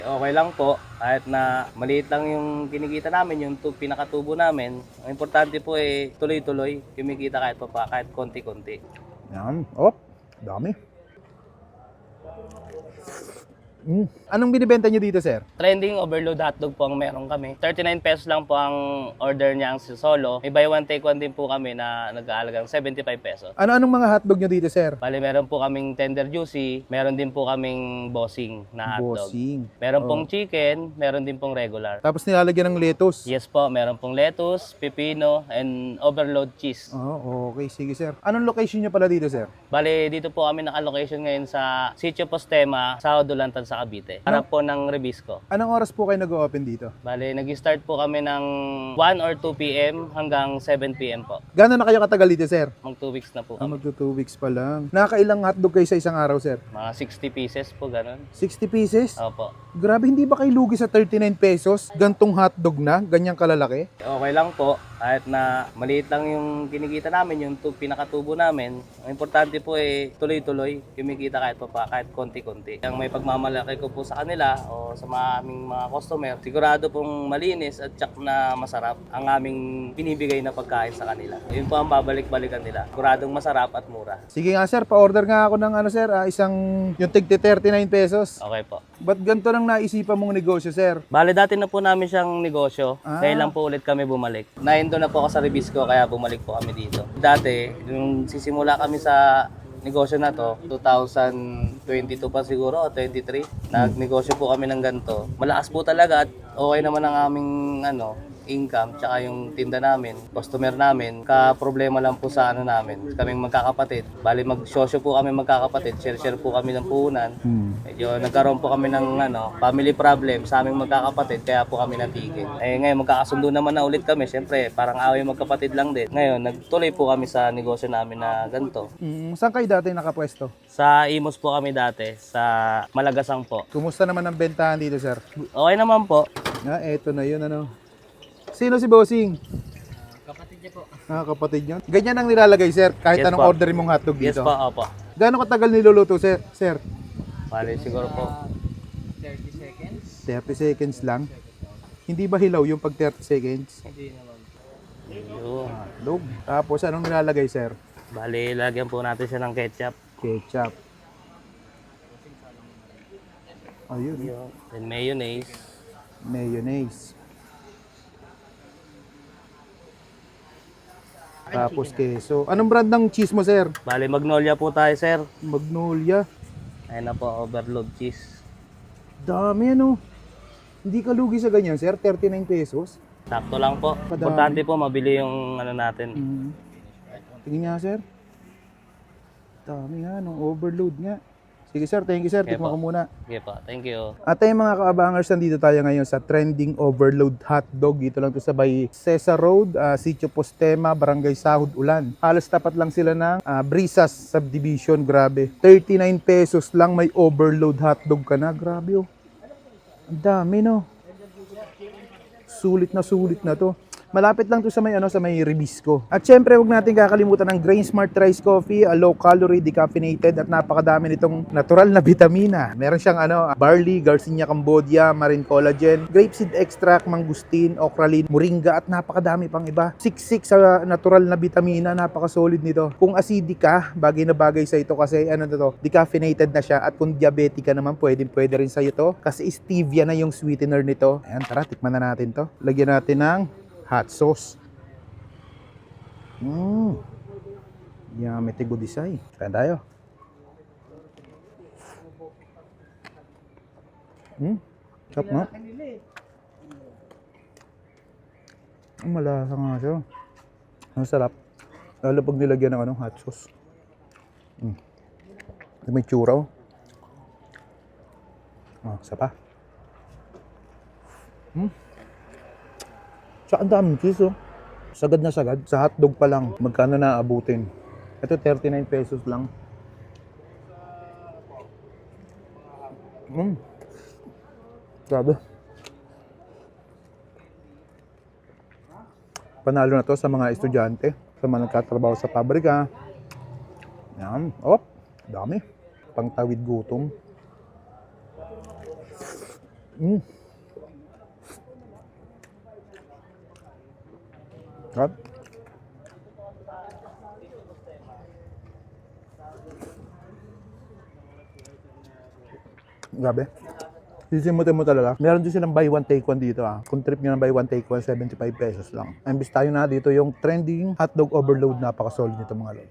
Okay lang po, kahit na maliit lang yung kinikita namin, yung pinakatubo namin. Ang importante po tuloy-tuloy, kumikita kahit pa kahit konti-konti. Yan. Oh, dami. Anong binibenta nyo dito, sir? Trending overload hotdog po ang meron kami. 39 pesos lang po ang order niya ang solo. May buy one take one din po kami na nag-aalagang 75 pesos. Ano-anong mga hotdog nyo dito, sir? Bali, meron po kaming tender juicy, meron din po kaming bossing na hotdog. Bossing. Meron pong chicken, meron din pong regular. Tapos nilalagyan ng lettuce. Yes po, meron pong lettuce, pipino, and overload cheese. Oh, okay. Sige, sir. Anong location nyo pala dito, sir? Bali, dito po kami naka-location ngayon sa Sitio Postema, sa Dulantan sa Cavite. Harap po ng Rebisco. Anong oras po kayo nag-open dito? Bali, nag-start po kami ng 1 or 2 p.m. hanggang 7 p.m. po. Gano'n na kayo katagal dito, sir? Mag 2 weeks na po kami. Magto 2 weeks pa lang. Nakakailang hotdog kayo sa isang araw, sir? Mga 60 pieces po, ganun. 60 pieces? Opo. Grabe, hindi ba kayo lugi sa 39 pesos? Gantong hotdog na? Ganyang kalalaki? Okay lang po, kahit na maliit lang yung kinikita namin, yung pinakatubo namin. Ang importante po tuloy-tuloy, kumikita kahit konti-konti. Ang may pagmamalaki ko po sa kanila o sa aming mga customer, sigurado pong malinis at tsak na masarap ang aming binibigay na pagkain sa kanila. Yun po ang babalik-balikan nila. Siguradong masarap at mura. Sige nga, sir. Pa-order nga ako ng sir, isang yung tig 39 pesos. Okay po. Ba't ganito lang naisipan mong negosyo, sir? Bale, dati na po namin siyang negosyo. Ah. Kaya lang po ulit kami bumalik. Naindo na po ako sa Rebisco, kaya bumalik po kami dito. Dati, yung sisimula kami sa negosyo na to, 2022 pa siguro o 23, nagnegosyo po kami ng ganito. Malakas po talaga at okay naman ang aming income tsaka yung tinda namin, customer namin. Ka-problema lang po sa namin, kaming magkakapatid. Bali magsosyo po kami magkakapatid, share po kami ng puhunan. Medyo nagkaroon po kami ng family problem sa aming magkakapatid, kaya po kami natigil. Ngayon magkakasundo naman na ulit kami, syempre parang away magkapatid lang din. Ngayon nagtuloy po kami sa negosyo namin na ganito. Saan kayo dati nakapwesto? Sa Imos po kami dati, sa Malagasang po. Kumusta naman ang bentahan dito, sir? Okay naman po. Eto na yun, Sino si Bossing? Kapatid niya po. Kapatid nyo? Ganyan ang nilalagay, sir, kahit Yes anong po. orderin mong hotdog Yes dito? po, opo. Gaano katagal niluluto, sir? Sir? Bali siguro po 30 seconds. 30 seconds lang? Hindi ba hilaw yung pag 30 seconds? Hindi naman. yun. Hotdog. Tapos anong nilalagay, sir? Bali, lagyan po natin siya ng ketchup. Ketchup. Ayun, Then mayonnaise. mayonnaise. Tapos keso. Anong brand ng cheese mo, sir? Bali, Magnolia po tayo, sir. Magnolia. Ayun na po, overload cheese. Dami, Hindi ka lugi sa ganyan, sir? 39 pesos? Sakto lang po. Padami. Importante po, mabili yung natin. Tingin nga, sir. Dami nga, overload nga. Sige, sir. Thank you, sir. Okay Tikman po. ko muna. Okay po, thank you. At ayun mga kaabangers, nandito tayo ngayon sa Trending Overload Hotdog. Dito lang to sa Bay Cesar Road, Sitio Postema, Barangay Sahod, Ulan. Halos tapat lang sila ng Brisas Subdivision. Grabe. 39 pesos lang may overload hotdog ka na. Grabe, Ang dami, Sulit na to. Malapit lang to sa may Rebisco. At syempre, huwag natin kakalimutan ng Grain Smart Rice Coffee, low calorie, decaffeinated at napakadami nitong natural na vitamina. Meron siyang barley, Garcinia Cambodia, marine collagen, grapeseed extract, mangustin, okralin, moringa at napakadami pang iba. Siksik sa natural na vitamina, napaka-solid nito. Kung acidic ka, bagay na bagay sa ito kasi decaffeinated na siya at kung diabetic ka naman, pwede rin sa iyo to kasi stevia na yung sweetener nito. Ayan, tara, tikman na natin to. Lagyan natin ng hot sauce. Yummy tigo disay. Kaya tayo. Sarap na. Malasa nga siya. Ang sarap. Lalo pag nilagyan ng hot sauce. May tsura. Isa pa. Tsaka ang daming cheese, Sagad na sagad. Sa hotdog pa lang, magkano na abutin? Ito, 39 pesos lang. Grabe. Panalo na to sa mga estudyante, sa mga nagkatrabaho sa pabrika. Yan. Dami. Pangtawid gutom. Mm. Sarap. Grabe. Sisimutin mo talaga. Meron din silang buy one take one dito ah. Kung trip nyo ng buy one take one, 75 pesos lang. Imbis tayo na dito yung trending hotdog overload, napaka-solid nito mga lord.